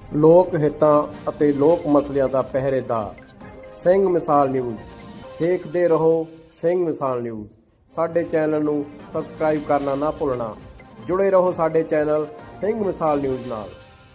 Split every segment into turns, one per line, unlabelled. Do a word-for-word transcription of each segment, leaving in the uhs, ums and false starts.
ਲੋਕ ਹਿੱਤਾਂ ਅਤੇ ਲੋਕ ਮਸਲਿਆਂ ਦਾ ਪਹਿਰੇਦਾਰ ਸਿੰਘ ਮਿਸਾਲ ਨਿਊਜ਼। ਦੇਖਦੇ ਰਹੋ ਸਿੰਘ ਮਿਸਾਲ ਨਿਊਜ਼। ਸਾਡੇ ਚੈਨਲ ਨੂੰ ਸਬਸਕ੍ਰਾਈਬ ਕਰਨਾ ਨਾ ਭੁੱਲਣਾ। ਜੁੜੇ ਰਹੋ ਸਾਡੇ ਚੈਨਲ ਸਿੰਘ ਮਿਸਾਲ ਨਿਊਜ਼ ਨਾਲ।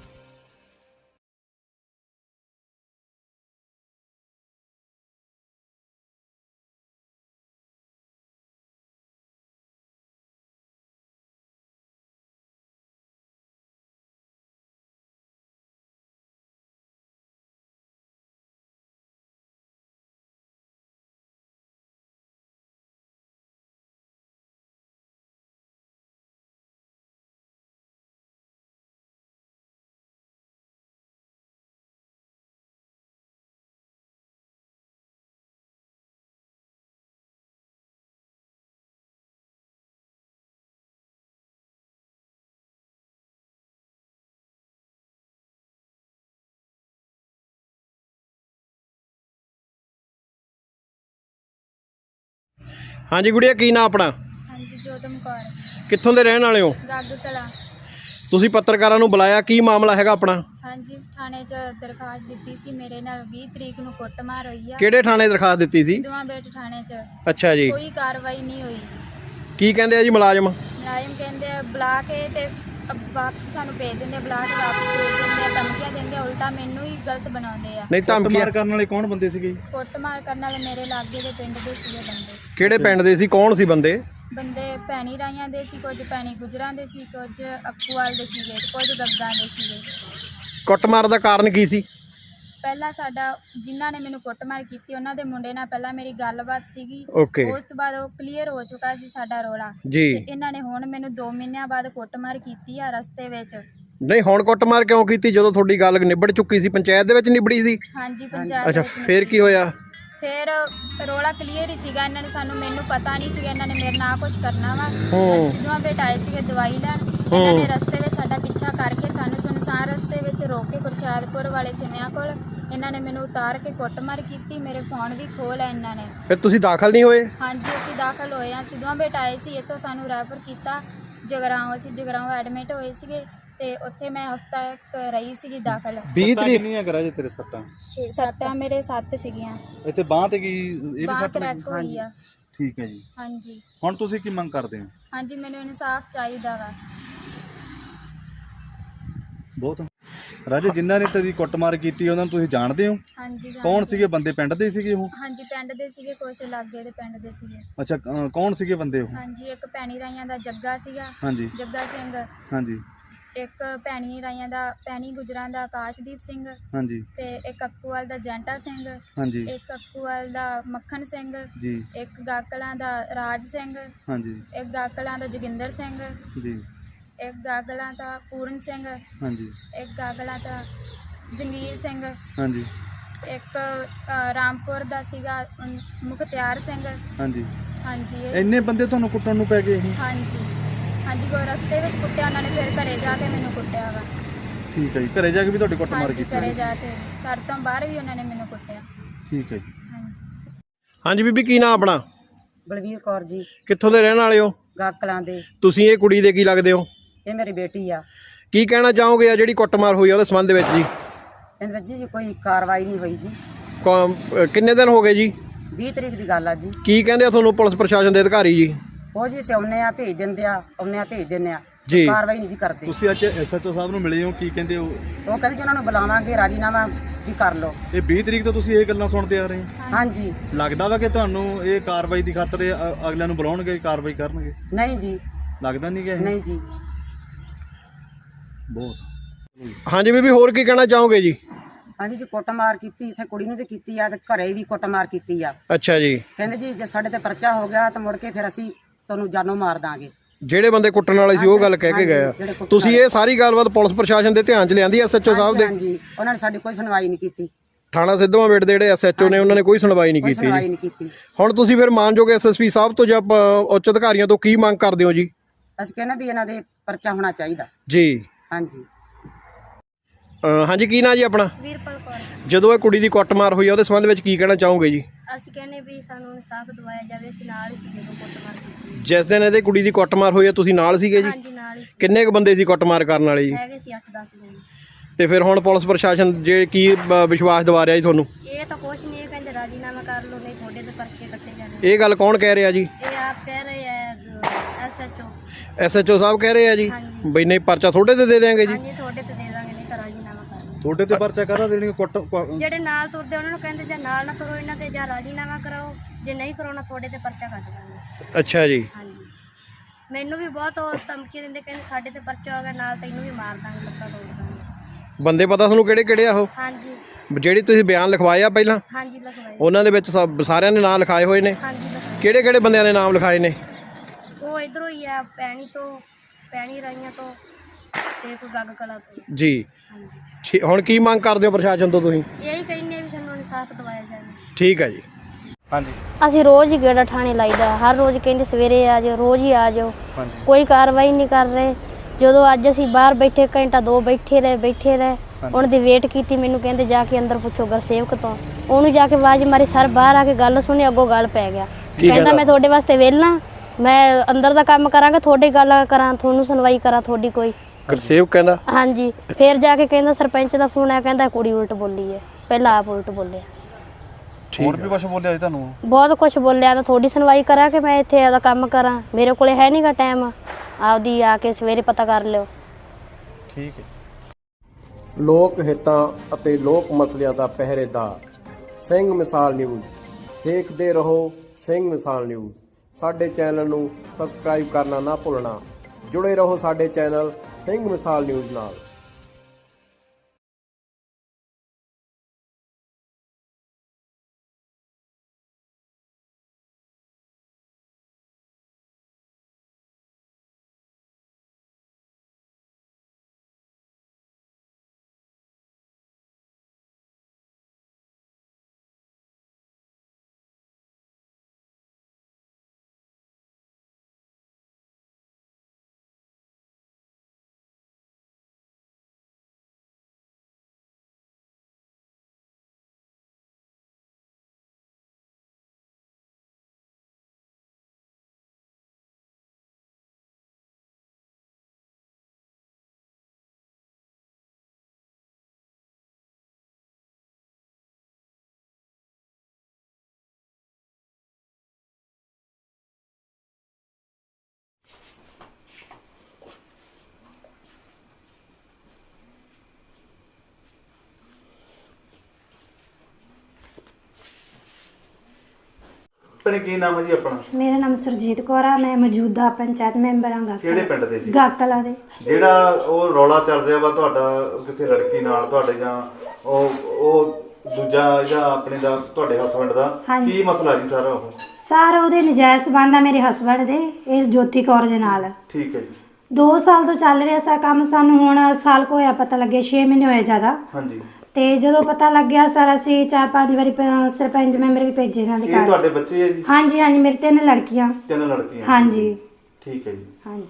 हाँ जी गुड़िया, की ना अपना?
हाँ जी, जोतम कौर।
कित्थों दे रहण वाले हो?
गागू तला।
तुसीं पत्रकारां नूं बुलाया, की मामला हैगा अपना?
हाँ जी, थाने च दरखास्त दित्ती सी। मेरे नाल बीस तरीक नूं कुੱਟਮਾਰ होई आ।
किहड़े थाणे दरखास्त दित्ती सी?
सिद्धवां बेट थाने च।
अच्छा जी।
कोई कार्रवाई नहीं हुई।
की कहंदे आ जी मुलाजम?
मुलाजम कहंदे आ बुला के ते वापस सानू भेज दिंदे, बुला के वापस भेज दिंदे, धमकियां दिंदे, उल्टा मैनू ही गलत बनाउंदे आ।
नहीं धमकियां
ਕਰਨ ਵਾਲੇ ਕੌਣ ਬੰਦੇ ਸੀਗੇ?
ਕੁੱਟਮਾਰ ਕਰਨ ਵਾਲੇ ਮੇਰੇ ਲਾਗੇ ਦੇ ਪਿੰਡ ਦੇ ਸੀਗੇ ਬੰਦੇ।
ਕਿਹੜੇ ਪਿੰਡ ਦੇ ਸੀ? ਕੌਣ ਸੀ ਬੰਦੇ?
ਬੰਦੇ ਭੈਣੀ ਰਾਈਆਂ ਦੇ ਸੀ, ਕੁਝ ਭੈਣੀ ਗੁਜਰਾਂ ਦੇ ਸੀ, ਕੁਝ ਅਕੂਵਾਲ ਦੇ ਸੀਗੇ, ਕੁਝ ਗੱਗਾਂ ਦੇ ਸੀਗੇ।
ਕੁੱਟਮਾਰ ਦਾ ਕਾਰਨ ਕੀ ਸੀ?
ਪਹਿਲਾਂ ਸਾਡਾ ਜਿਨ੍ਹਾਂ ਨੇ ਮੈਨੂੰ ਕੁੱਟਮਾਰ ਕੀਤੀ ਉਹਨਾਂ ਦੇ ਮੁੰਡੇ ਨਾਲ ਪਹਿਲਾਂ ਮੇਰੀ ਗੱਲਬਾਤ ਸੀਗੀ।
ਓਕੇ।
ਉਸ ਤੋਂ ਬਾਅਦ ਉਹ ਕਲੀਅਰ ਹੋ ਚੁੱਕਾ ਸੀ ਸਾਡਾ ਰੋਲਾ।
ਜੀ।
ਤੇ ਇਹਨਾਂ ਨੇ ਹੁਣ ਮੈਨੂੰ ਦੋ ਮਹੀਨਿਆਂ ਬਾਅਦ ਕੁੱਟਮਾਰ ਕੀਤੀ ਆ ਰਸਤੇ ਵਿੱਚ।
ਨਹੀਂ, ਹੁਣ ਕੁੱਟਮਾਰ ਕਿਉਂ ਕੀਤੀ ਜਦੋਂ ਤੁਹਾਡੀ ਗੱਲ ਨਿਬੜ ਚੁੱਕੀ ਸੀ? ਪੰਚਾਇਤ ਦੇ ਵਿੱਚ ਨਿਬੜੀ ਸੀ?
ਹਾਂਜੀ, ਪੰਚਾਇਤ
ਅੱਛਾ,
ਵਿੱਚ
ਫੇਰ ਕੀ ਹੋਇਆ?
ਫਿਰ ਰੋਲਾ ਕਲੀਅਰ ਹੀ ਸੀਗਾ। ਇਹਨਾਂ ਨੇ ਸਾਨੂੰ ਮੈਨੂੰ ਪਤਾ ਨਹੀਂ ਸੀਗਾ ਇਹਨਾਂ ਨੇ ਮੇਰੇ ਨਾਲ ਕੁਝ ਕਰਨਾ ਵਾ।
ਹੂੰ।
ਸਿੱਧਵਾਂ ਬੇਟ ਆਏ ਸੀਗੇ ਦਵਾਈ ਲੈਣ। ਇਹਨਾਂ ਨੇ ਰਸਤੇ ਵਿੱਚ ਸਾਡਾ ਪਿੱਛਾ ਕਰਕੇ ਸਾਨੂੰ ਸੁਨਸਾਨ ਰਸਤੇ ਵਿੱਚ ਰੋਕ ਕੇ ਗੁਰਸ਼ਾਦਪੁਰ ਵਾਲੇ ਸਿਮਿਆਂ ਕੋਲ ਇਹਨਾਂ ਨੇ ਮੈਨੂੰ ਉਤਾਰ ਕੇ ਕੁੱਟਮਾਰ ਕੀਤੀ। ਮੇਰੇ ਫੋਨ ਵੀ ਖੋਹ ਲਿਆ ਇਹਨਾਂ ਨੇ।
ਫਿਰ ਤੁਸੀਂ ਦਾਖਲ ਨਹੀਂ ਹੋਏ?
ਹਾਂਜੀ, ਅਸੀਂ ਦਾਖਲ ਹੋਏ ਹਾਂ। ਸਿੱਧਵਾਂ ਬੇਟ ਆਏ ਸੀ, ਇੱਥੋਂ ਸਾਨੂੰ ਰੈਫਰ ਕੀਤਾ ਜਗਰਾਓਂ। ਅਸੀਂ ਜਗਰਾਓਂ ਐਡਮਿਟ ਹੋਏ ਸੀਗੇ ਤੇ ਉੱਥੇ ਮੈਂ ਹਫਤਾ ਰਹੀ ਸੀਗੀ ਦਾਖਲ।
ਵੀਹ ਤਰੀਕ
ਕਿੰਨੀਆਂ ਕਰਾ ਜੇ ਤੇਰੇ ਸੱਟਾਂ?
ਸੱਟਾਂ ਮੇਰੇ ਸੱਤ ਸੀਗੀਆਂ।
ਇੱਥੇ ਬਾਂਹ ਤੇ ਕੀ ਇਹ ਵੀ
ਬਾਂਹ
ਸੱਟ
ਕਰੈਕ
ਲੱਗੀ?
ਹੋਈ ਆ।
ਠੀਕ ਹੈ ਜੀ।
ਹਾਂਜੀ
ਹੁਣ ਤੁਸੀਂ ਕੀ ਮੰਗ ਕਰਦੇ ਹੋ?
ਹਾਂਜੀ, ਮੈਨੂੰ ਇਨਸਾਫ ਚਾਹੀਦਾ ਵਾ।
ਬਹੁਤ ਰਾਜੇ, ਜਿਨ੍ਹਾਂ ਨੇ ਤੇਰੀ ਕੁੱਟਮਾਰ ਕੀਤੀ ਉਹਨਾਂ ਨੂੰ ਤੁਸੀਂ ਜਾਣਦੇ ਹੋ?
ਹਾਂਜੀ ਜਾਣਦੇ।
ਕੌਣ ਸੀਗੇ ਬੰਦੇ? ਪਿੰਡ ਦੇ ਸੀਗੇ ਉਹ?
ਹਾਂਜੀ, ਪਿੰਡ ਦੇ ਸੀਗੇ, ਕੁਛ ਲਾਗੇ ਦੇ ਪਿੰਡ ਦੇ ਸੀਗੇ।
ਅੱਛਾ, ਅ, ਕੌਣ ਸੀਗੇ ਬੰਦੇ ਉਹ?
ਹਾਂਜੀ, ਇੱਕ ਭੈਣੀ ਰਾਈਆਂ ਦਾ ਜੱਗਾ ਸੀਗਾ,
ਹਾਂਜੀ
ਜੱਗਾ ਸਿੰਘ।
ਹਾਂਜੀ
ਇੱਕ ਭੈਣੀ ਰਾਈਆਂ ਦਾ ਭੈਣੀ ਗੁਜਰਾਂ ਦਾ ਆਕਾਸ਼ਦੀਪ ਸਿੰਘ
ਹਾਂਜੀ
ਤੇ ਇੱਕ ਅੱਕੂਵਾਲ ਦਾ ਜੈਂਟਾ ਸਿੰਘ,
ਹਾਂਜੀ
ਇੱਕ ਅੱਕੂਵਾਲ ਦਾ ਮੱਖਣ ਸਿੰਘ,
ਜੀ
ਇੱਕ ਗਾਕਲਾਂ ਦਾ ਰਾਜ ਸਿੰਘ,
ਹਾਂਜੀ
ਇੱਕ ਗਾਕਲਾਂ ਦਾ ਜੋਗਿੰਦਰ ਸਿੰਘ,
ਜੀ
ਇੱਕ ਗਾਗਲਾਂ ਦਾ ਪੂਰਨ ਸਿੰਘ,
ਹਾਂਜੀ
ਇੱਕ ਗਾਗਲਾਂ ਦਾ ਜੰਗੀਰ ਸਿੰਘ,
ਹਾਂਜੀ
ਇੱਕ ਅ, ਰਾਮਪੁਰ ਦਾ ਸੀਗਾ ਅਮ, ਮੁਖਤਿਆਰ ਸਿੰਘ।
ਹਾਂਜੀ
ਹਾਂਜੀ ਇਹ-
ਇੰਨੇ ਬੰਦੇ ਤੁਹਾਨੂੰ ਕੁੱਟਣ ਨੂੰ ਪੈ ਗਏ ਇਹ?
ਹਾਂਜੀ ਹਾਂਜੀ, ਕੋਈ ਰਸਤੇ ਵਿੱਚ ਕੁੱਟਿਆ ਉਹਨਾਂ ਨੇ, ਫਿਰ ਘਰੇ ਜਾ ਕੇ ਮੈਨੂੰ ਕੁੱਟਿਆ ਵਾ।
ਠੀਕ ਹੈ ਜੀ। ਘਰੇ ਜਾ ਕੇ ਵੀ ਤੁਹਾਡੀ ਕੁੱਟਮਾਰ
ਹਾਂਜੀ,
ਕੀਤੀ?
ਘਰੇ ਜਾ ਕੇ, ਘਰ ਤੋਂ ਬਾਹਰ ਵੀ ਉਹਨਾਂ ਨੇ ਮੈਨੂੰ ਕੁੱਟਿਆ।
ਠੀਕ ਹੈ ਜੀ।
ਹਾਂਜੀ
ਹਾਂਜੀ ਬੀਬੀ, ਕੀ ਨਾਂ ਆਪਣਾ?
ਬਲਵੀਰ ਕੌਰ ਜੀ,
ਕਿੱਥੋਂ ਦੇ ਰਹਿਣ ਵਾਲੇ ਹੋ?
ਗਾਕਲਾਂ ਦੇ।
ਤੁਸੀਂ ਇਹ ਕੁੜੀ ਦੇ ਕੀ ਲੱਗਦੇ ਹੋ?
ਇਹ ਮੇਰੀ ਬੇਟੀ ਆ।
ਕੀ ਕਹਿਣਾ ਚਾਹੋਗੇ ਆ ਜਿਹੜੀ ਕੁੱਟਮਾਰ ਹੋਈ ਆ ਉਹਦੇ ਸੰਬੰਧ ਵਿੱਚ ਜੀ?
ਇਹਦੇ ਵਿੱਚ ਜੀ ਕੋਈ ਕਾਰਵਾਈ ਨਹੀਂ ਹੋਈ ਜੀ।
ਕੌਮ- ਅਹ ਕਿੰਨੇ ਦਿਨ ਹੋ ਗਏ ਜੀ?
ਵੀਹ ਤਰੀਕ ਦੀ ਗੱਲ ਆ ਜੀ।
ਕੀ ਕਹਿੰਦੇ ਆ ਤੁਹਾਨੂੰ ਪੁਲਿਸ ਪ੍ਰਸ਼ਾਸਨ ਦੇ ਅਧਿਕਾਰੀ ਜੀ?
ਉਹ ਜੀ ਸਿਆਉਨੇ ਆ, ਭੇਜ ਦਿੰਦੇ ਆ, ਆਉਂਦੇ ਆ, ਭੇਜ ਦਿੰਦੇ ਆ,
ਜੀ।
ਕਾਰਵਾਈ ਨਹੀਂ ਜੀ ਕਰਦੇ।
ਤੁਸੀਂ ਅੱਜ ਐਸਐਚਓ ਸਾਹਿਬ ਨੂੰ ਮਿਲੇ ਹੋ, ਕੀ ਕਹਿੰਦੇ ਹੋ?
ਉਹ ਕਹਿੰਦੇ ਜੀ ਉਹਨਾਂ ਨੂੰ ਬੁਲਾਵਾਂਗੇ, ਰਾਜੀਨਾਮਾ ਵੀ ਕਰ ਲਓ।
ਇਹ ਵੀਹ ਤਰੀਕ ਤੋਂ ਤੁਸੀਂ ਇਹ ਗੱਲਾਂ ਸੁਣਦੇ ਆ ਰਹੇ ਹੋ?
ਹਾਂਜੀ।
ਲੱਗਦਾ ਵਾ ਕਿ ਤੁਹਾਨੂੰ ਇਹ ਕਾਰਵਾਈ ਦੀ ਖਾਤਰ ਇਹ ਅ- ਅਗਲਿਆਂ ਨੂੰ ਬੁਲਾਉਣਗੇ, ਕਾਰਵਾਈ ਕਰਨਗੇ?
ਨਹੀਂ ਜੀ,
ਲੱਗਦਾ ਨਹੀਂ ਕਿ ਇਹ
ਨਹੀਂ ਜੀ।
ਬਹੁਤ।
ਹਾਂਜੀ ਬੀਬੀ, ਹੋਰ ਕੀ ਕਹਿਣਾ ਚਾਹੋਗੇ ਜੀ?
ਹਾਂਜੀ ਜੀ, ਕੁੱਟਮਾਰ ਕੀਤੀ, ਇੱਥੇ ਕੁੜੀ ਨੂੰ ਵੀ ਕੀਤੀ ਆ ਤੇ ਘਰੇ ਵੀ ਕੁੱਟਮਾਰ ਕੀਤੀ ਆ।
ਅੱਛਾ ਜੀ।
ਕਹਿੰਦੇ ਜੀ ਜੇ ਸਾਡੇ ਤੇ ਪਰਚਾ ਹੋ ਗਿਆ ਤਾਂ ਮੁੜ ਕੇ ਫਿਰ ਅਸੀਂ ਤੁਹਾਨੂੰ ਜਾਨੋਂ ਮਾਰ ਦਾਂਗੇ।
ਜਿਹੜੇ ਬੰਦੇ ਕੁੱਟਣ ਵਾਲੇ ਸੀ ਉਹ ਗੱਲ ਕਹਿ ਕੇ ਗਏ ਆ।
ਜਿਹੜੇ ਕੁੱਟਣ
ਤੁਸੀਂ ਇਹ ਸਾਰੀ ਗੱਲਬਾਤ ਪੁਲਿਸ ਪ੍ਰਸ਼ਾਸਨ ਦੇ ਧਿਆਨ 'ਚ ਲਿਆਂਦੀ ਐਸਐਚਓ ਸਾਹਿਬ ਦੇ?
ਹਾਂਜੀ, ਉਹਨਾਂ ਨੇ ਸਾਡੀ ਕੋਈ ਸੁਣਵਾਈ ਨਹੀਂ ਕੀਤੀ।
ਥਾਣਾ ਸਿੱਧਵਾਂ ਬੇਟ ਦੇ ਜਿਹੜੇ ਐਸਐਚਓ ਨੇ ਉਹਨਾਂ ਨੇ ਕੋਈ ਸੁਣਵਾਈ ਨਹੀਂ
ਕੋਈ
ਕੀਤੀ
ਸੁਣਵਾਈ
ਜੀ।
ਨਹੀਂ ਕੀਤੀ।
ਹੁਣ ਤੁਸੀਂ ਫਿਰ ਮਾਨਯੋਗ ਐਸਐਸਪੀ ਸਾਹਿਬ ਤੋਂ ਜਾਂ ਅ, ਉੱਚ ਅਧਿਕਾਰੀਆਂ ਤੋਂ ਕੀ ਮੰਗ ਕਰਦੇ ਹੋ ਜੀ?
ਅਸੀਂ ਕਹਿੰਦੇ ਵੀ ਇਹਨਾਂ ਦੇ ਪਰਚਾ ਹੋਣਾ ਚਾਹੀਦਾ।
ਜੀ।
ਹਾਂਜੀ।
ਅ, ਹਾਂਜੀ, ਕੀ ਨਾਂ ਜੀ ਆਪਣਾ?
ਵੀਰਪਾਲ ਕੌਰ।
ਜਦੋਂ ਇਹ ਕੁੜੀ ਦੀ ਕੁੱਟਮਾਰ ਹੋਈ ਆ ਉਹਦੇ ਸੰਬੰਧ ਵਿੱਚ ਕੀ ਕਹਿਣਾ ਚਾਹੋਗੇ ਜੀ?
ਅਸੀਂ ਕਹਿੰਦੇ ਵੀ ਸਾਨੂੰ ਇਨਸਾਫ ਦਿਵਾਇਆ ਜਾਵੇ। ਅਸੀਂ ਨਾਲ ਹੀ ਸੀ ਜਦੋਂ ਕੁੱਟਮਾਰ ਕੀਤੀ।
ਜਿਸ ਦਿਨ ਇਹਦੇ ਕੁੜੀ ਦੀ ਕੁੱਟਮਾਰ ਹੋਈ ਆ ਤੁਸੀਂ ਨਾਲ ਸੀਗੇ ਜੀ?
ਹਾਂਜੀ, ਨਾਲ ਹੀ ਸੀ।
ਕਿੰਨੇ ਕੁ ਬੰਦੇ ਸੀ ਕੁੱਟਮਾਰ ਕਰਨ ਵਾਲੇ ਜੀ?
ਹੈਗੇ ਸੀ ਅੱਠ ਦਸ ਜਣੇ।
ਤੇ ਫਿਰ ਹੁਣ ਪੁਲਿਸ ਪ੍ਰਸ਼ਾਸਨ ਜੇ ਕੀ ਬ- ਵਿਸ਼ਵਾਸ ਦਿਵਾ ਰਿਹਾ ਜੀ ਤੁਹਾਨੂੰ?
ਇਹ ਤਾਂ ਕੁਛ ਨਹੀਂ, ਇਹ ਕਹਿੰਦੇ ਰਾਜੀਨਾਮਾ ਕਰ ਲਓ ਨਹੀਂ ਤੁਹਾਡੇ ਤੇ ਪਰਚੇ ਕੱਟੇ ਜਾਣੇ।
ਇਹ ਗੱਲ ਕੌਣ ਕਹਿ ਰਿਹਾ ਜੀ?
ਇਹ ਆਪ ਕਹਿ ਰਹੇ ਹੈ ਐਸਐਚਓ।
ਐਸਐਚਓ ਸਾਹਿਬ ਕਹਿ ਰਹੇ ਆ ਜੀ
ਹਾਂਜੀ।
ਬਈ ਨਹੀਂ ਪਰਚਾ ਤੁਹਾਡੇ ਤੇ ਦੇ ਦੇਾਂਗੇ ਜੀ।
ਹਾਂਜੀ ਤੁਹਾਡੇ ਤੇ ਦੇ ਦਾਂਗੇ, ਨਹੀਂ ਤਾਂ ਰਾਜੀਨਾਮਾ ਕਰ ਲਓ।
ਤੁਹਾਡੇ ਤੇ ਪਰਚਾ ਕਾਹਦਾ ਦੇਣਗੇ? ਕੁੱਟ ਕੁ-
ਜਿਹੜੇ ਨਾਲ ਤੁਰਦੇ ਉਹਨਾਂ ਨੂੰ ਕਹਿੰਦੇ ਜਾਂ ਨਾਲ ਨਾ ਕਰੋ ਇਹਨਾਂ ਤੇ, ਜਾਂ ਰਾਜੀਨਾਮਾ ਕਰਾਓ, ਜੇ ਨਹੀਂ ਕਰਾਉਣਾ ਤੁਹਾਡੇ ਤੇ ਪਰਚਾ ਕੱਟ ਦਾਂਗੇ।
ਅੱਛਾ ਜੀ।
ਹਾਂਜੀ ਮੈਨੂੰ ਵੀ ਬਹੁਤ ਉਹ ਧਮਕੀ ਦਿੰਦੇ, ਕਹਿੰਦੇ ਸਾਡੇ ਤੇ ਪਰਚਾ ਹੋ ਗਿਆ ਨਾਲ ਤੈਨੂੰ ਵੀ ਮਾਰ ਦਾਂਗੇ, ਲੱਤਾਂ ਤੋੜ ਦਾਂਗੇ।
ਬੰਦੇ ਪਤਾ ਤੁਹਾਨੂੰ ਕਿਹੜੇ ਕਿਹੜੇ ਆ ਉਹ
ਹਾਂਜੀ
ਜਿਹੜੀ ਤੁਸੀਂ ਬਿਆਨ ਲਿਖਵਾਏ ਆ ਪਹਿਲਾਂ?
ਹਾਂਜੀ ਲਿਖਵਾਏ।
ਉਹਨਾਂ ਦੇ ਵਿੱਚ ਸਭ ਸਾਰਿਆਂ ਦੇ ਨਾਮ ਲਿਖਾਏ ਹੋਏ ਨੇ?
ਹਾਂਜੀ ਲਿਖਵਾਏ।
ਕਿਹੜੇ ਕਿਹੜੇ ਬੰਦਿਆਂ ਦੇ ਨਾਮ ਲਿਖਾਏ ਨੇ?
ਉਹ ਇਧਰੋਂ ਹੀ ਆ, ਪੈਣੀ ਤੋਂ, ਪੈਣੀ ਰਾਈਆਂ ਤੋਂ ਤੇ ਕੋਈ ਗੱਗ ਕਲਾ ਤੋਂ।
ਜੀ।
ਹਾਂਜੀ
ਠੀ- ਹੁਣ ਕੀ ਮੰਗ ਕਰਦੇ ਹੋ ਪ੍ਰਸ਼ਾਸਨ ਤੋਂ ਤੁਸੀਂ?
ਇਹੀ ਕਹਿੰਦੇ ਵੀ ਸਾਨੂੰ ਇਨਸਾਫ ਦਿਵਾਇਆ ਜਾਵੇ।
ਠੀਕ ਹੈ ਜੀ।
ਹਾਂਜੀ
ਅਸੀਂ ਰੋਜ਼ ਹੀ ਗੇੜਾ ਠਾਣੇ ਲਾਈਦਾ, ਹਰ ਰੋਜ਼ ਕਹਿੰਦੇ ਸਵੇਰੇ ਆ ਜਾਓ, ਰੋਜ਼ ਹੀ ਆ ਜਾਓ,
ਹਾਂਜੀ
ਕੋਈ ਕਾਰਵਾਈ ਨਹੀਂ ਕਰ ਰਹੇ। ਜਦੋਂ ਅੱਜ ਅਸੀਂ ਬਾਹਰ ਬੈਠੇ ਘੰਟਾ ਦੋ ਬੈਠੇ ਰਹੇ ਬੈਠੇ ਰਹੇ ਉਹਨਾਂ ਦੀ ਵੇਟ ਕੀਤੀ, ਮੈਨੂੰ ਕਹਿੰਦੇ ਜਾ ਕੇ ਅੰਦਰ ਪੁੱਛੋ ਗੁਰਸੇਵਕ ਤੋਂ। ਉਹਨੂੰ ਜਾ ਕੇ ਆਵਾਜ਼ ਮਾਰੀ, ਸਰ ਬਾਹਰ ਆ ਕੇ ਗੱਲ ਸੁਣੀ, ਅੱਗੋਂ ਗੱਲ ਪੈ ਗਿਆ। ਕਹਿੰਦਾ ਮੈਂ ਤੁਹਾਡੇ ਵਾਸਤੇ ਵਿਹਲਾ, ਮੈਂ ਅੰਦਰ ਦਾ ਕੰਮ ਕਰਾਂਗਾ, ਤੁਹਾਡੀ ਗੱਲ ਕਰਾਂ, ਤੁਹਾਨੂੰ ਸੁਣਵਾਈ ਕਰਾਂ ਤੁਹਾਡੀ ਕੋਈ।
ਗੁਰਸੇਵਕ ਕਹਿੰਦਾ?
ਹਾਂਜੀ। ਫਿਰ ਜਾ ਕੇ ਕਹਿੰਦਾ ਸਰਪੰਚ ਦਾ ਫੋਨ ਆਇਆ, ਕਹਿੰਦਾ ਕੁੜੀ ਉਲਟ ਬੋਲੀ ਹੈ, ਪਹਿਲਾਂ ਆਪ ਉਲਟ ਬੋਲਿਆ।
ਹੋਰ ਵੀ ਕੁਝ ਬੋਲਿਆ ਜੀ ਤੁਹਾਨੂੰ?
ਬਹੁਤ ਕੁਝ ਬੋਲਿਆ, ਤਾਂ ਤੁਹਾਡੀ ਸੁਣਵਾਈ ਕਰਾਂ ਕਿ ਮੈਂ ਇੱਥੇ ਆਪਦਾ ਕੰਮ ਕਰਾਂ, ਮੇਰੇ ਕੋਲੇ ਹੈ ਨਹੀਂਗਾ ਟਾਈਮ, ਆਪਦੀ ਆ ਕੇ ਸਵੇਰੇ ਪਤਾ ਕਰ ਲਿਓ।
ਠੀਕ ਹੈ।
ਲੋਕ ਹਿੱਤਾਂ ਅਤੇ ਲੋਕ ਮਸਲਿਆਂ ਦਾ ਪਹਿਰੇਦਾਰ ਸਿੰਘ ਮਿਸਾਲ ਨਿਊਜ਼। ਦੇਖਦੇ ਰਹੋ ਸਿੰਘ ਮਿਸਾਲ ਨਿਊਜ਼। ਸਾਡੇ ਚੈਨਲ ਨੂੰ ਸਬਸਕ੍ਰਾਈਬ ਕਰਨਾ ਨਾ ਭੁੱਲਣਾ। ਜੁੜੇ ਰਹੋ ਸਾਡੇ ਚੈਨਲ ਸਿੰਘ ਮਿਸਾਲ ਨਿਊਜ਼ ਨਾਲ।
ਭੈਣੇ ਕੀ ਨਾਮ ਹੈ ਜੀ ਆਪਣਾ?
ਮੇਰਾ ਨਾਮ ਸੁਰਜੀਤ ਕੌਰ ਆ, ਮੈਂ ਮੌਜੂਦਾ ਪੰਚਾਇਤ ਮੈਂਬਰ ਹਾਂ
ਕਿਹੜੇ
ਗਾਕਲਾ
ਪਿੰਡ ਦੇ ਜੀ?
ਗਾਕਲਾ ਦੇ।
ਜਿਹੜਾ ਉਹ ਰੌਲਾ ਚੱਲ ਰਿਹਾ ਵਾ ਤੁਹਾਡਾ ਕਿਸੇ ਲੜਕੀ ਨਾਲ, ਤੁਹਾਡੇ ਜਾਂ ਉਹ ਉਹ ਦੂਜਾ ਜਾਂ ਆਪਣੇ ਦਾ ਤੁਹਾਡੇ ਹਸਬੰਡ ਦਾ,
ਹਾਂਜੀ।
ਕੀ ਮਸਲਾ ਜੀ ਸਾਰਾ ਉਹ?
ਸਰ ਉਹਦੇ ਨਜਾਇਜ਼ ਸੰਬੰਧ ਆ ਮੇਰੇ ਹਸਬੰਡ ਦੇ ਇਸ ਜੋਤੀ ਕੌਰ ਦੇ ਨਾਲ।
ਠੀਕ ਹੈ ਜੀ।
ਦੋ ਸਾਲ ਤੋਂ ਚੱਲ ਰਿਹਾ ਸਰ ਕੰਮ, ਸਾਨੂੰ ਹੁਣ ਸਾਲ ਕੋ ਹੋਇਆ ਪਤਾ ਲੱਗਿਆ, ਛੇ ਮਹੀਨੇ ਹੋਏ ਜ਼ਿਆਦਾ।
ਹਾਂਜੀ।
ਤੇ ਜਦੋਂ ਪਤਾ ਲੱਗਿਆ ਸਰ ਅਸੀਂ ਚਾਰ ਪੰਜ ਵਾਰੀ ਪ- ਸਰਪੰਚ ਮੈਂਬਰ ਵੀ ਭੇਜੇ ਇਹਨਾਂ ਦੇ
ਇਹ
ਘਰ।
ਤੁਹਾਡੇ ਬੱਚੇ ਹੈ ਜੀ?
ਹਾਂਜੀ ਹਾਂਜੀ ਮੇਰੇ ਤਿੰਨ ਲੜਕੀਆਂ।
ਤਿੰਨ ਲੜਕੀਆਂ?
ਹਾਂਜੀ।
ਠੀਕ ਹੈ ਜੀ।
ਹਾਂਜੀ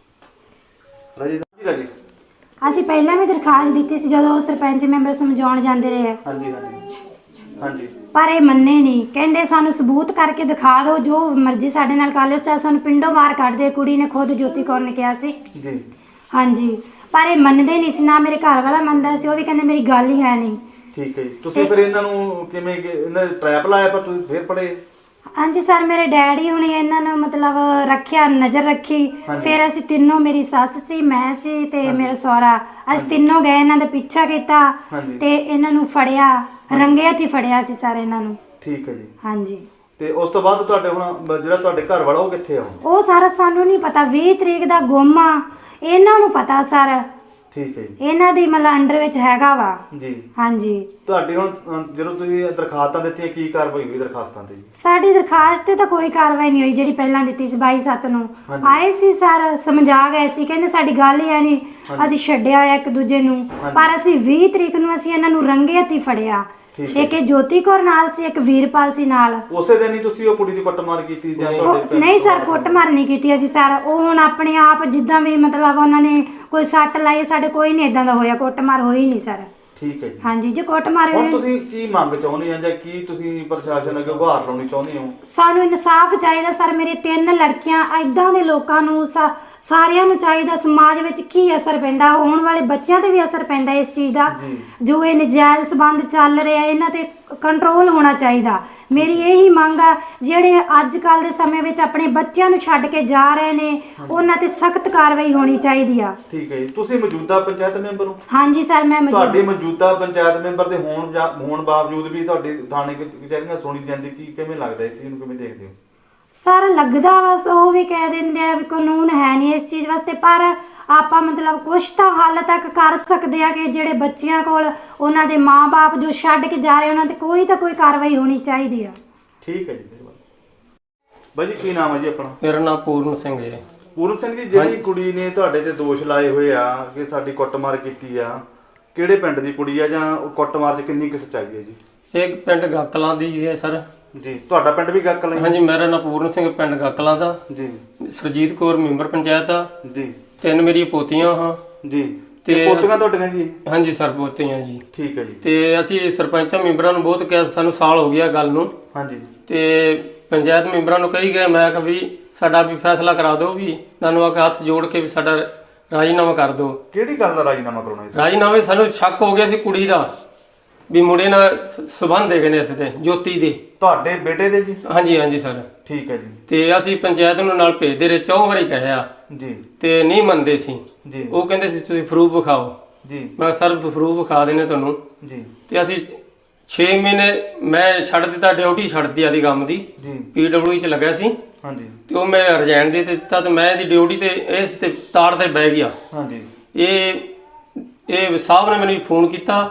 ਰਾਜੀ ਜੀ ਰਾਜੀ।
ਅਸੀਂ ਪਹਿਲਾਂ ਵੀ ਦਰਖਾਸਤ ਦਿੱਤੀ ਸੀ ਜਦੋਂ ਉਹ ਸਰਪੰਚ ਮੈਂਬਰ ਸਮਝਾਉਣ ਜਾਂਦੇ ਰਹੇ,
ਹਾਂਜੀ ਹਾਂਜੀ ਹਾਂਜੀ।
ਪਰ ਇਹ ਮੰਨੇ ਨਹੀਂ, ਕਹਿੰਦੇ ਸਾਨੂੰ ਸਬੂਤ ਕਰਕੇ ਦਿਖਾ ਦਿਓ, ਜੋ ਮਰਜ਼ੀ ਸਾਡੇ ਨਾਲ ਕਰ ਲਿਓ, ਚਾਹੇ ਸਾਨੂੰ ਪਿੰਡੋਂ ਬਾਹਰ ਕੱਢ ਦੇ। ਕੁੜੀ ਨੇ ਖੁਦ ਜੋਤੀ ਕੌਰ ਨੇ ਕਿਹਾ ਸੀ।
ਜੀ।
ਹਾਂਜੀ ਪਰ ਇਹ ਮੰਨਦੇ ਨਹੀਂ ਸੀ, ਨਾ ਮੇਰੇ ਘਰ ਵਾਲਾ ਮੰਨਦਾ ਸੀ, ਉਹ ਵੀ ਕਹਿੰਦੇ ਮੇਰੀ ਗੱਲ ਹੀ ਹੈ ਨਹੀਂ।
ਠੀਕ ਹੈ ਜੀ। ਤੁਸੀਂ ਫਿਰ ਇਹਨਾਂ ਨੂੰ ਕਿਵੇਂ ਕਿ ਇਹਨਾਂ ਨੇ ਟ੍ਰੈਪ ਲਾਇਆ ਪਰ ਤੁਸੀਂ ਫਿਰ ਪੜੇ?
ਹਾਂਜੀ ਸਰ ਮੇਰੇ ਡੈਡੀ ਹੁਣੇ ਇਹਨਾਂ ਨੂੰ ਮਤਲਬ ਰੱਖਿਆ, ਨਜ਼ਰ ਰੱਖੀ। ਫਿਰ ਅਸੀਂ ਤਿੰਨੋਂ, ਮੇਰੀ ਸੱਸ ਸੀ, ਮੈਂ ਸੀ ਤੇ ਮੇਰਾ ਸਹੁਰਾ, ਅਸੀਂ ਤਿੰਨੋਂ ਗਏ, ਇਹਨਾਂ ਦਾ ਪਿੱਛਾ ਕੀਤਾ ਤੇ ਇਹਨਾਂ ਨੂੰ ਫੜਿਆ, ਰੰਗੇ ਹੱਥੀਂ ਫੜਿਆ ਸੀ ਸਰ ਇਹਨਾਂ ਨੂੰ।
ਠੀਕ ਹੈ ਜੀ।
ਹਾਂਜੀ।
ਤੇ ਉਸ ਤੋਂ ਬਾਅਦ ਤੁਹਾਡੇ ਹੁਣ ਜਿਹੜਾ ਤੁਹਾਡੇ ਘਰ ਵਾਲਾ ਉਹ ਕਿੱਥੇ ਆ ਹੁਣ?
ਉਹ ਸਾਰਾ ਸਾਨੂੰ ਨਹੀਂ ਪਤਾ, ਵੀਹ ਤਰੀਕ ਦਾ ਗੁੰਮ ਆ, ਇਹਨਾਂ ਨੂੰ ਪਤਾ ਸਰ।
ਠੀਕ ਹੈ ਜੀ।
ਇਹਨਾਂ ਦੀ ਮਤਲਬ ਅੰਡਰ ਵਿੱਚ ਹੈਗਾ ਵਾ।
ਜੀ।
ਹਾਂਜੀ।
ਤੁਹਾਡੀ ਹੁਣ ਅਹ, ਜਦੋਂ ਤੁਸੀਂ ਦਰਖਾਸਤਾਂ ਦਿੱਤੀਆਂ ਕੀ ਕਾਰਵਾਈ ਹੋਈ ਦਰਖਾਸਤਾਂ ਤੇ?
ਸਾਡੀ ਦਰਖਾਸਤ ਤੇ ਤਾਂ ਕੋਈ ਕਾਰਵਾਈ ਨਹੀਂ ਹੋਈ, ਜਿਹੜੀ ਪਹਿਲਾਂ ਦਿੱਤੀ ਸੀ ਬਾਈ ਸੱਤ ਨੂੰ। ਆਏ ਸੀ ਸਰ, ਸਮਝਾ ਗਏ ਸੀ, ਕਹਿੰਦੇ ਸਾਡੀ ਗੱਲ ਹੀ ਹੈ ਨਹੀਂ, ਅਸੀਂ ਛੱਡਿਆ ਹੋਇਆ ਇੱਕ ਦੂਜੇ ਨੂੰ। ਪਰ ਅਸੀਂ ਵੀਹ ਤਰੀਕ ਨੂੰ ਅਸੀਂ ਇਹਨਾਂ ਨੂੰ ਰੰਗੇ ਹੱਥੀਂ ਫੜਿਆ। ਇੱਕ ਇਹ ਜੋਤੀ ਕੌਰ ਨਾਲ ਸੀ, ਇੱਕ ਵੀਰਪਾਲ ਸੀ ਨਾਲ।
ਉਸੇ ਦਿਨ ਹੀ ਤੁਸੀਂ ਉਹ ਕੁੜੀ ਦੀ ਕੁੱਟਮਾਰ ਕੀਤੀ ਜਾਂ
ਉਹ-
ਤੁਹਾਡੇ ਪਿੰਡ
ਨਹੀਂ
ਤੋਂ?
ਸਰ ਕੁੱਟਮਾਰ ਨਹੀਂ ਕੀਤੀ ਅਸੀਂ ਸਰ, ਉਹ ਹੁਣ ਆਪਣੇ ਆਪ ਜਿੱਦਾਂ ਵੀ ਮਤਲਬ ਉਹਨਾਂ ਨੇ ਕੋਈ ਸੱਟ ਲਾਈ, ਸਾਡੇ ਕੋਈ ਨਹੀਂ ਇਦਾਂ ਦਾ ਹੋਇਆ, ਕੁੱਟਮਾਰ ਹੋਈ ਨਹੀਂ ਸਰ।
ਠੀਕ ਹੈ ਜੀ।
ਹਾਂਜੀ ਜੇ ਕੁੱਟਮਾਰ
ਹੁਣ ਤੁਸੀਂ ਕੀ ਮੰਗ ਚਾਹੁੰਦੇ ਆ ਜਾਂ ਕੀ ਤੁਸੀਂ ਪ੍ਰਸ਼ਾਸਨ ਅੱਗੇ ਗੁਹਾਰ ਲਾਉਣੀ ਚਾਹੁੰਦੇ ਹੋ?
ਸਾਨੂੰ ਇਨਸਾਫ ਚਾਹੀਦਾ ਸਰ। ਮੇਰੇ ਤਿੰਨ ਲੜਕੀਆਂ ਐਦਾਂ ਦੇ ਲੋਕਾਂ ਨੂੰ ਸਾ- ਸਾਰਿਆਂ ਨੂੰ ਚਾਹੀਦਾ। ਸਮਾਜ ਵਿੱਚ ਕੀ ਅਸਰ ਪੈਂਦਾ, ਆਉਣ ਵਾਲੇ ਬੱਚਿਆਂ ਤੇ ਵੀ ਅਸਰ ਪੈਂਦਾ ਇਸ ਚੀਜ਼ ਦਾ। ਜੋ ਇਹ ਨਜਾਇਜ਼ ਸਬੰਧ ਚੱਲ ਰਿਹਾ ਇਹਨਾਂ ਤੇ ਕੰਟਰੋਲ ਹੋਣਾ ਚਾਹੀਦਾ। ਮੇਰੀ ਇਹੀ ਮੰਗ ਆ, ਜਿਹੜੇ ਅੱਜ ਕੱਲ ਦੇ ਸਮੇਂ ਵਿੱਚ ਆਪਣੇ ਬੱਚਿਆਂ ਨੂੰ ਛੱਡ ਕੇ ਜਾ ਰਹੇ ਨੇ ਉਹਨਾਂ ਤੇ ਸਖਤ ਕਾਰਵਾਈ ਹੋਣੀ ਚਾਹੀਦੀ ਆ।
ਠੀਕ ਹੈ ਜੀ। ਤੁਸੀਂ ਮੌਜੂਦਾ ਪੰਚਾਇਤ ਮੈਂਬਰ ਹੋ?
ਹਾਂਜੀ ਸਰ ਮੈਂ
ਤੁਹਾਡੇ
ਮੌਜੂਦ
ਮੌਜੂਦਾ ਪੰਚਾਇਤ ਮੈਂਬਰ ਦੇ ਹੋਣ ਜਾਂ ਹੋਣ ਬਾਵਜੂਦ ਵੀ ਤੁਹਾਡੇ ਥਾਣੇ ਕਚਹਿਰੀਆਂ ਸੁਣੀ ਜਾਂਦੀ, ਕੀ ਕਿਵੇਂ ਲੱਗਦਾ ਇਸ ਚੀਜ਼ ਨੂੰ, ਕਿਵੇਂ ਦੇਖਦੇ ਹੋ?
ਸਰ ਲੱਗਦਾ ਬਸ ਉਹ ਵੀ ਕਹਿ ਦਿੰਦੇ ਆ ਵੀ ਕਾਨੂੰਨ ਹੈ ਨਹੀਂ ਇਸ ਚੀਜ਼ ਵਾਸਤੇ, ਪਰ ਆਪਾਂ ਮਤਲਬ ਕੁਛ ਤਾਂ ਹੱਲ ਤੱਕ ਕਰ ਸਕਦੇ ਆ ਕਿ ਜਿਹੜੇ ਬੱਚਿਆਂ ਕੋਲ ਉਹਨਾਂ ਦੇ ਮਾਂ-ਬਾਪ ਜੋ ਛੱਡ ਕੇ ਜਾ ਰਹੇ ਉਹਨਾਂ ਤੇ ਕੋਈ ਤਾਂ ਕੋਈ ਕਾਰਵਾਈ ਹੋਣੀ ਚਾਹੀਦੀ ਆ।
ਠੀਕ ਹੈ ਜੀ, ਮਿਹਰਬਾਨੀ। ਬਾਈ ਜੀ ਕੀ ਨਾਮ ਹੈ ਜੀ ਆਪਣਾ?
ਮੇਰਾ ਨਾਮ ਪੂਰਨ ਸਿੰਘ ਹੈ।
ਪੂਰਨ ਸਿੰਘ ਜੀ, ਜਿਹੜੀ ਕੁੜੀ ਨੇ ਤੁਹਾਡੇ ਤੇ ਦੋਸ਼ ਲਾਏ ਹੋਏ ਆ ਕਿ ਸਾਡੀ ਕੁੱਟਮਾਰ ਕੀਤੀ ਆ, ਕਿਹੜੇ ਪਿੰਡ ਦੀ ਕੁੜੀ ਆ ਜਾਂ ਉਹ ਕੁੱਟਮਾਰ 'ਚ ਕਿੰਨੀ ਕੁ ਸੱਚਾਈ ਹੈ ਜੀ?
ਇਹ ਪਿੰਡ ਗਾਕਲਾਂ ਦੀ ਹੈ ਸਰ।
ਜੀ, ਤੁਹਾਡਾ ਪਿੰਡ ਵੀ ਗਾਕਲਾਂ ਹੀ?
ਹਾਂਜੀ, ਮੇਰਾ ਨਾਮ ਪੂਰਨ ਸਿੰਘ, ਪਿੰਡ ਗਾਕਲਾਂ ਦਾ
ਜੀ।
ਸਰਜੀਤ ਕੌਰ ਮੈਂਬਰ ਪੰਚਾਇਤ ਆ
ਜੀ।
ਤਿੰਨ ਮੇਰੀਆਂ ਪੋਤੀਆਂ ਹਾਂ
ਜੀ।
ਤੇ
ਤੇ ਪੋਤੀਆਂ
ਅਸੀਂ-
ਤੁਹਾਡੀਆਂ ਜੀ?
ਹਾਂਜੀ ਸਰ, ਪੋਤੀਆਂ ਜੀ।
ਠੀਕ ਹੈ ਜੀ।
ਤੇ ਅਸੀਂ ਸਰਪੰਚਾਂ ਮੈਂਬਰਾਂ ਨੂੰ ਬਹੁਤ ਕਿਹਾ, ਸਾਨੂੰ ਸਾਲ ਹੋ ਗਿਆ ਗੱਲ ਨੂੰ।
ਹਾਂਜੀ।
ਤੇ ਪੰਚਾਇਤ ਮੈਂਬਰਾਂ ਨੂੰ ਕਹੀ ਗਏ, ਮੈਂ ਕਿਹਾ ਵੀ ਸਾਡਾ ਵੀ ਫੈਸਲਾ ਕਰਾ ਦਿਓ, ਵੀ ਨਾਨੂੰ ਆ ਕੇ ਹੱਥ ਜੋੜ ਕੇ ਵੀ ਸਾਡਾ ਰਾਜੀਨਾਮਾ ਕਰ ਦਿਓ।
ਕਿਹੜੀ ਗੱਲ ਦਾ ਰਾਜੀਨਾਮਾ ਕਰਾਉਣਾ ਜੀ?
ਰਾਜੀਨਾਮੇ ਸਾਨੂੰ ਸ਼ੱਕ ਹੋ ਗਿਆ ਸੀ ਕੁੜੀ ਦਾ, ਵੀ ਮੁੰਡੇ ਨਾਲ ਸ- ਸੰਬੰਧ ਹੈਗੇ ਨੇ ਇਸ ਦੇ, ਜੋਤੀ ਦੇ।
ਤੁਹਾਡੇ ਬੇਟੇ ਦੇ ਜੀ?
ਹਾਂਜੀ ਹਾਂਜੀ ਸਰ।
ਠੀਕ ਹੈ ਜੀ।
ਤੇ ਅਸੀਂ ਪੰਚਾਇਤ ਨੂੰ ਨਾਲ ਭੇਜਦੇ ਰਹੇ, ਚੌ ਵਾਰੀ ਕਹਿਆ
ਜੀ।
ਤੇ ਨਹੀਂ ਮੰਨਦੇ ਸੀ।
ਜੀ।
ਉਹ ਕਹਿੰਦੇ ਸੀ ਤੁਸੀਂ ਪ੍ਰੂਫ ਵਿਖਾਓ।
ਜੀ।
ਮੈਂ ਸਰ ਪ੍ਰੂਫ ਵਿਖਾ ਦੇਣੇ ਤੁਹਾਨੂੰ।
ਜੀ।
ਤੇ ਅਸੀਂ ਛੇ ਮਹੀਨੇ ਮੈਂ ਛੱਡ ਦਿੱਤਾ, ਡਿਊਟੀ ਛੱਡਤੀ ਆਦੀ ਕੰਮ ਦੀ।
ਜੀ।
ਪੀਡਬਲਯੂ ਚ ਲੱਗਿਆ ਸੀ।
ਹਾਂਜੀ।
ਤੇ ਉਹ ਮੈਂ ਰਿਜ਼ਾਈਨ ਦੇ ਦਿੱਤਾ ਤੇ ਮੈਂ ਇਹਦੀ ਡਿਊਟੀ ਤੇ ਇਸ ਤੇ ਤਾੜ ਤੇ ਬਹਿ ਗਿਆ।
ਹਾਂਜੀ।
ਇਹ ਇਹ ਸਾਹਿਬ ਨੇ ਮੈਨੂੰ ਫੋਨ ਕੀਤਾ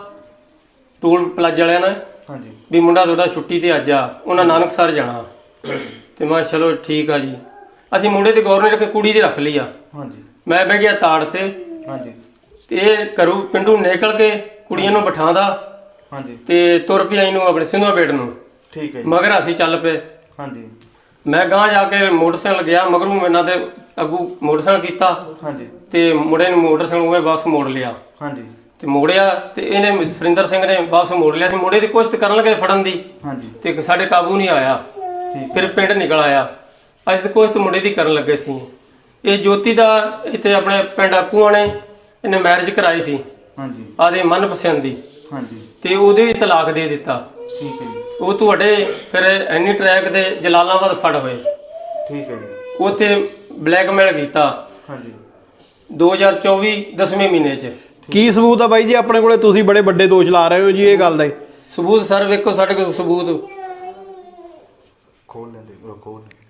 ਟੂਲ ਪਲਾਜ਼ਾ ਵਾਲਿਆਂ ਨੇ,
ਹਾਂਜੀ।
ਵੀ ਮੁੰਡਾ ਤੁਹਾਡਾ ਛੁੱਟੀ ਤੇ ਅੱਜ ਆ, ਉਹਨਾਂ ਨਾਨਕਸਰ ਜਾਣਾ। ਤੇ ਮੈਂ ਚਲੋ ਠੀਕ ਆ ਜੀ। ਅਸੀਂ ਮੁੰਡੇ ਦੀ ਗੌਰ ਨਹੀਂ ਰੱਖੇ, ਕੁੜੀ ਦੀ ਰੱਖ ਲਈ ਆ।
ਹਾਂਜੀ।
ਮੈਂ ਬਹਿ ਗਿਆ ਤਾੜ ਤੇ।
ਹਾਂਜੀ।
ਤੇ ਇਹ ਘਰੋਂ ਪਿੰਡੂ ਨਿਕਲ ਕੇ ਕੁੜੀਆਂ ਨੂੰ ਬਿਠਾਉਂਦਾ
ਹਾਂਜੀ।
ਤੇ ਤੁਰ ਪਿਆ ਇਹਨੂੰ ਆਪਣੇ ਸਿੰਧੂਆ ਬੇਟ ਨੂੰ।
ਠੀਕ ਹੈ ਜੀ।
ਮਗਰ ਅਸੀਂ ਚੱਲ ਪਏ।
ਹਾਂਜੀ।
ਮੈਂ ਗਾਂ ਜਾ ਕੇ ਮੋਟਰਸਾਈਕਲ ਗਿਆ, ਮਗਰੋਂ ਇਹਨਾਂ ਦੇ ਅੱਗੂ ਮੋਟਰਸਾਈਕਲ ਕੀਤਾ।
ਹਾਂਜੀ।
ਤੇ ਮੁੰਡੇ ਨੂੰ ਮੋਟਰਸਾਈਕਲ ਉਹ ਵਾਪਸ ਮੋੜ ਲਿਆ।
ਹਾਂਜੀ।
ਤੇ ਮੋੜਿਆ ਤੇ ਇਹਨੇ ਸੁਰਿੰਦਰ ਸਿੰਘ ਨੇ ਵਾਪਸ ਮੋੜ ਲਿਆ ਸੀ। ਮੁੰਡੇ ਦੀ ਕੋਸ਼ਿਸ਼ ਕਰਨ ਲੱਗੇ ਫੜਨ ਦੀ,
ਹਾਂਜੀ।
ਤੇ ਸਾਡੇ ਕਾਬੂ ਨਹੀਂ ਆਇਆ।
ਠੀਕ।
ਫਿਰ ਪਿੰਡ ਨਿਕਲ ਆਇਆ। ਅਸੀਂ ਤਾਂ ਕੋਸ਼ਿਸ਼ ਮੁੰਡੇ ਦੀ ਕਰਨ ਲੱਗੇ ਸੀ। ਇਹ ਜੋਤੀ ਦਾ ਇੱਥੇ ਆਪਣੇ ਪਿੰਡ ਆਕੂਆਂ ਨੇ ਇਹਨੇ ਮੈਰਿਜ ਕਰਾਈ ਸੀ
ਹਾਂਜੀ।
ਆਦੇ ਮਨਪਸੰਦ ਦੀ,
ਹਾਂਜੀ।
ਤੇ ਉਹਦੇ ਵੀ ਤਲਾਕ ਦੇ ਦਿੱਤਾ।
ਠੀਕ ਹੈ ਜੀ।
ਉਹ ਤੁਹਾਡੇ ਫਿਰ ਐਨੀ ਟਰੈਕ ਤੇ ਜਲਾਲਾਬਾਦ ਫੜ ਹੋਏ।
ਠੀਕ ਹੈ ਜੀ।
ਉੱਥੇ ਬਲੈਕਮੇਲ ਕੀਤਾ।
ਹਾਂਜੀ।
ਦੋ ਹਜ਼ਾਰ ਚੌਵੀ ਦਸਵੇਂ ਮਹੀਨੇ 'ਚ।
ਕੀ ਸਬੂਤ ਆ ਬਾਈ ਜੀ ਆਪਣੇ ਕੋਲੇ? ਤੁਸੀਂ ਬੜੇ ਵੱਡੇ ਦੋਸ਼ ਲਾ ਰਹੇ ਹੋ ਜੀ ਇਹ ਗੱਲ ਦਾ।
ਸਬੂਤ ਸਰ ਵੇਖੋ ਸਾਡੇ ਕੋਲ ਸਬੂਤ।
ਖੋਲ ਲੈਂਦੇ ਖੋਲ ਲੈਂਦੇ।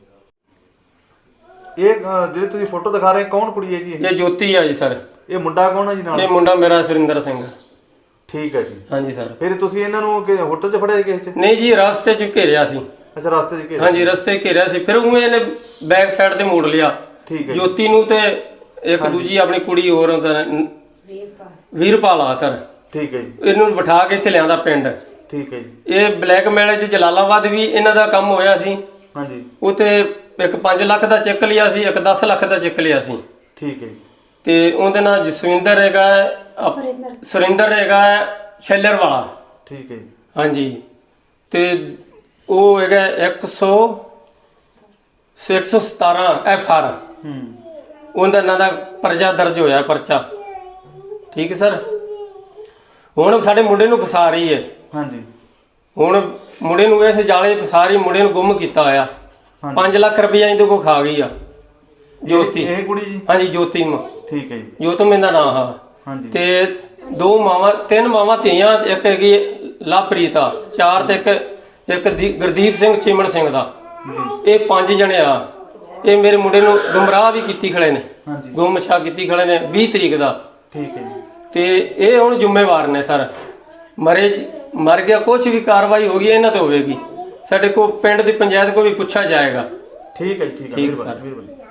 ਇਹ ਅਹ, ਜਿਹੜੀ ਤੁਸੀਂ ਫੋਟੋ ਦਿਖਾ ਰਹੇ ਕੌਣ ਕੁੜੀ ਹੈ ਜੀ ਇਹ?
ਇਹ ਜੋਤੀ ਆ ਜੀ ਸਰ।
ਇਹ ਮੁੰਡਾ ਕੌਣ ਹੈ ਜੀ
ਇਹ
ਨਾਲ?
ਮੁੰਡਾ ਮੇਰਾ ਸੁਰਿੰਦਰ ਸਿੰਘ।
ਠੀਕ ਹੈ ਜੀ।
ਹਾਂਜੀ ਸਰ।
ਫਿਰ ਤੁਸੀਂ ਇਹਨਾਂ ਨੂੰ ਕਿ ਹੋਟਲ 'ਚ ਫੜਿਆ ਕਿਸੇ 'ਚ?
ਨਹੀਂ ਜੀ, ਰਸਤੇ 'ਚ ਘੇਰਿਆ ਸੀ।
ਅੱਛਾ, ਰਸਤੇ 'ਚ ਘੇਰਿਆ?
ਹਾਂਜੀ, ਰਸਤੇ ਘੇਰਿਆ ਸੀ। ਫਿਰ ਉਹ ਇਹਨੇ ਬੈਕ ਸਾਈਡ ਤੇ ਮੋੜ ਲਿਆ।
ਠੀਕ ਹੈ।
ਜੋਤੀ ਨੂੰ ਤੇ ਇੱਕ ਦੂਜੀ ਆਪਣੀ ਕੁੜੀ ਹੋਰ ਉਹਦਾ ਨ- ਵੀਰਪਾਲ ਆ ਸਰ।
ਠੀਕ ਹੈ ਜੀ।
ਇਹਨੂੰ ਬਿਠਾ ਕੇ ਇੱਥੇ ਲਿਆਂਦਾ ਪਿੰਡ।
ਠੀਕ ਹੈ ਜੀ।
ਇਹ ਬਲੈਕਮੇਲ 'ਚ ਜਲਾਲਾਬਾਦ ਵੀ ਇਹਨਾਂ ਦਾ ਕੰਮ ਹੋਇਆ ਸੀ।
ਹਾਂਜੀ।
ਉੱਥੇ ਇੱਕ ਪੰਜ ਲੱਖ ਦਾ ਚੈੱਕ ਲਿਆ ਸੀ, ਇੱਕ ਦਸ ਲੱਖ ਦਾ ਚੈੱਕ ਲਿਆ ਸੀ।
ਠੀਕ ਹੈ ਜੀ।
ਤੇ ਉਹਦੇ ਨਾਲ ਜਸਵਿੰਦਰ ਹੈਗਾ, ਅਪ- ਸੁਰਿੰਦਰ ਹੈਗਾ ਸ਼ੈਲਰ ਵਾਲਾ।
ਠੀਕ ਹੈ ਜੀ।
ਹਾਂਜੀ। ਤੇ ਉਹ ਹੈਗਾ ਇੱਕ ਸੌ ਇੱਕ ਸੌ ਸਤਾਰਾਂ ਐਫ ਆਰ।
ਹੂੰ।
ਉਹਦਾ ਨਾਂ ਦਾ ਪਰਚਾ ਦਰਜ ਹੋਇਆ, ਪਰਚਾ। ਠੀਕ ਹੈ ਸਰ। ਹੁਣ ਸਾਡੇ ਮੁੰਡੇ ਨੂੰ ਫਸਾ ਰਹੀ ਹੈ।
ਹਾਂਜੀ।
ਹੁਣ ਮੁੰਡੇ ਨੂੰ ਇਸ ਜਾਲੇ ਫਸਾ ਰਹੀ, ਮੁੰਡੇ ਨੂੰ ਗੁੰਮ ਕੀਤਾ ਹੋਇਆ। ਪੰਜ ਲੱਖ ਰੁਪਈਆ ਇਹਦੇ ਕੋਲ ਖਾ ਗਈ ਆ ਜੋਤੀ।
ਇਹ ਕੁੜੀ ਜੀ?
ਹਾਂਜੀ, ਜੋਤੀ ਮ
ਠੀਕ ਹੈ ਜੀ।
ਜੋਤਮ ਇਹਦਾ ਨਾਂ ਹਾਂ।
ਹਾਂਜੀ।
ਤੇ ਦੋ ਮਾਵਾਂ, ਤਿੰਨ ਮਾਵਾਂ ਧੀਆਂ, ਇੱਕ ਹੈਗੀ ਲਵਪ੍ਰੀਤ ਆ, ਚਾਰ ਤੇ ਇੱਕ ਇੱਕ ਦੀ- ਗੁਰਦੀਪ ਸਿੰਘ ਚਿਮਣ ਸਿੰਘ ਦਾ। ਇਹ ਪੰਜ ਜਣੇ ਆ। ਇਹ ਮੇਰੇ ਮੁੰਡੇ ਨੂੰ ਗੁੰਮਰਾਹ ਵੀ ਕੀਤੀ ਖੜੇ ਨੇ,
ਹਾਂਜੀ।
ਗੁੰਮਸ਼ਾ ਕੀਤੀ ਖੜੇ ਨੇ ਵੀਹ ਤਰੀਕ ਦਾ।
ਠੀਕ ਹੈ ਜੀ।
ਤੇ ਇਹ ਹੁਣ ਜ਼ਿੰਮੇਵਾਰ ਨੇ ਸਰ। ਮਰੇ ਮਰ ਗਿਆ, ਕੁਛ ਵੀ ਕਾਰਵਾਈ ਹੋ ਗਈ ਇਹਨਾਂ ਤੇ ਹੋਵੇਗੀ। ਸਾਡੇ ਕੋਲ ਪਿੰਡ ਦੀ ਪੰਚਾਇਤ ਕੋਲ ਵੀ ਪੁੱਛਿਆ ਜਾਏਗਾ।
ਠੀਕ ਹੈ ਜੀ। ਠੀਕ ਹੈ।
ਠੀਕ
ਮਿਹਰਬਾਨੀ,
ਸਰ।
ਮਿਹਰਬਾਨੀ।